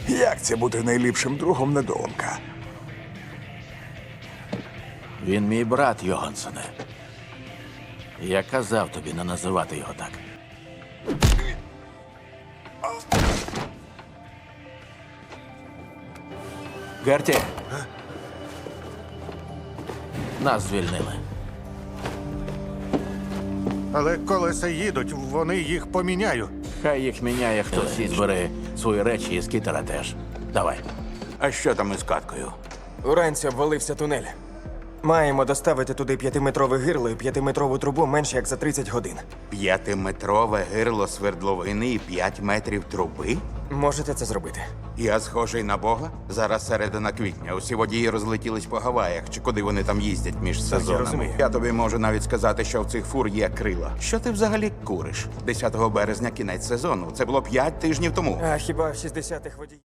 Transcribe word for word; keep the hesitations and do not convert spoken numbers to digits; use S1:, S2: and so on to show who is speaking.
S1: Як це бути найліпшим другом недоумка?
S2: Він мій брат, Йогансене. Я казав тобі не називати його так. Герті! Нас звільнили.
S3: Але колеса їдуть, вони їх поміняють.
S2: Хай їх міняє хтось і збери свої речі і скітера теж. Давай.
S4: А що там із каткою?
S5: Уранці обвалився тунель. Маємо доставити туди п'ятиметрове гирло і п'ятиметрову трубу менш як за тридцять годин.
S4: П'ятиметрове гирло свердловини і п'ять метрів труби?
S5: Можете це зробити?
S4: Я схожий на Бога? Зараз середина квітня. Усі водії розлетілись по Гаваях, чи куди вони там їздять між сезонами.
S5: розумію.
S4: Я тобі можу навіть сказати, що в цих фур є крила. Що ти взагалі куриш? десятого березня кінець сезону. Це було п'ять тижнів тому.
S5: А хіба в шістдесятих водій...